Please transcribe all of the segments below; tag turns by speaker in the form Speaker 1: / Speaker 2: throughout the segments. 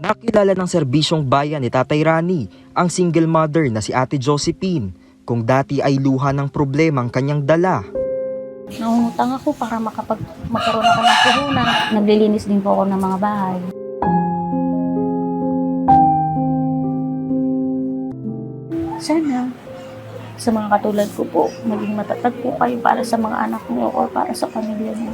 Speaker 1: Nakilala ng serbisyong bayan ni Tatay Rani ang single mother na si Ate Josephine kung dati ay luha ng problema ang kanyang dala.
Speaker 2: Nangungutang ako para magkaroon ako ng puhunan. Naglilinis din po ako ng mga bahay. Sana sa mga katulad ko po, maging matatag po kayo para sa mga anak niyo o para sa pamilya niyo.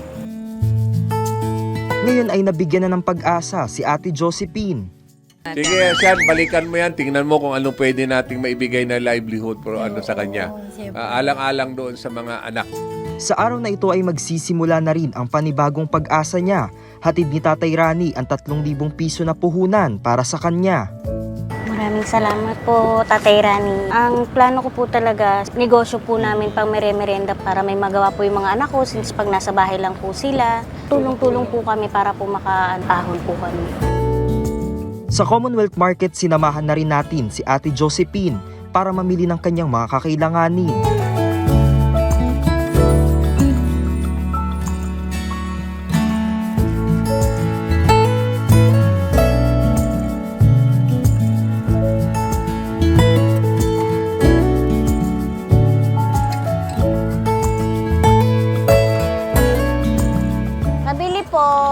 Speaker 1: Ngayon ay nabigyan na ng pag-asa si Ate Josephine.
Speaker 3: Sige, Sean, balikan mo yan. Tingnan mo kung anong pwede nating maibigay na livelihood sa kanya. Alang-alang doon sa mga anak.
Speaker 1: Sa araw na ito ay magsisimula na rin ang panibagong pag-asa niya. Hatid ni Tatay Rani ang 3,000 piso na puhunan para sa kanya.
Speaker 2: Maraming salamat po, Tatay Rani. Ang plano ko po talaga, negosyo po namin pang merenda para may magawa po yung mga anak ko since pag nasa bahay lang po sila. Tulong-tulong po kami para po makaahon po kami.
Speaker 1: Sa Commonwealth Market, sinamahan na rin natin si Ate Josephine para mamili ng kanyang mga kakailanganin.
Speaker 2: Nabili po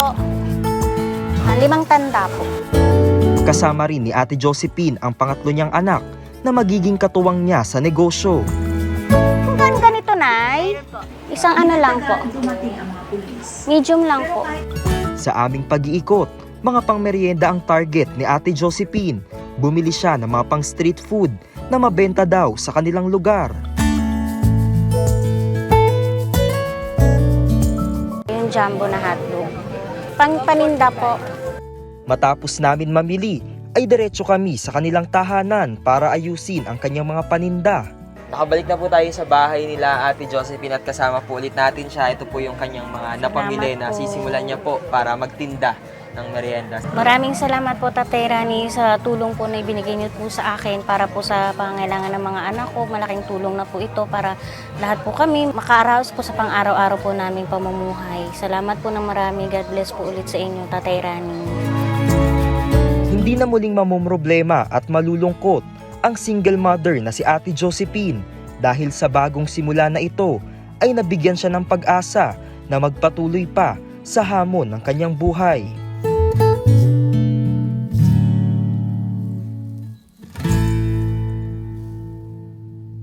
Speaker 2: 5 tanda po.
Speaker 1: Kasama rin ni Ate Josephine ang pangatlo niyang anak na magiging katuwang niya sa negosyo.
Speaker 2: Kung ganito, Nay, isang ano lang po. Medium lang po.
Speaker 1: Sa aming pag-iikot, mga pangmeryenda ang target ni Ate Josephine. Bumili siya ng mga pang street food na mabenta daw sa kanilang lugar.
Speaker 2: Yung jumbo na hotdog. Paninda po.
Speaker 1: Matapos namin mamili, ay diretso kami sa kanilang tahanan para ayusin ang kanyang mga paninda.
Speaker 4: Nakabalik na po tayo sa bahay nila Ate Josephine at kasama po ulit natin siya. Ito po yung kanyang mga napamili na sisimulan niya po para magtinda ng merienda.
Speaker 2: Maraming salamat po, Tatay Rani, sa tulong po na ibinigay niyo po sa akin para po sa pangangailangan ng mga anak ko. Malaking tulong na po ito para lahat po kami makaaraos po sa pang-araw-araw po naming pamumuhay. Salamat po ng marami. God bless po ulit sa inyo, Tatay Rani.
Speaker 1: Hindi na muling mamomroblema at malulungkot ang single mother na si Ate Josephine dahil sa bagong simula na ito ay nabigyan siya ng pag-asa na magpatuloy pa sa hamon ng kanyang buhay.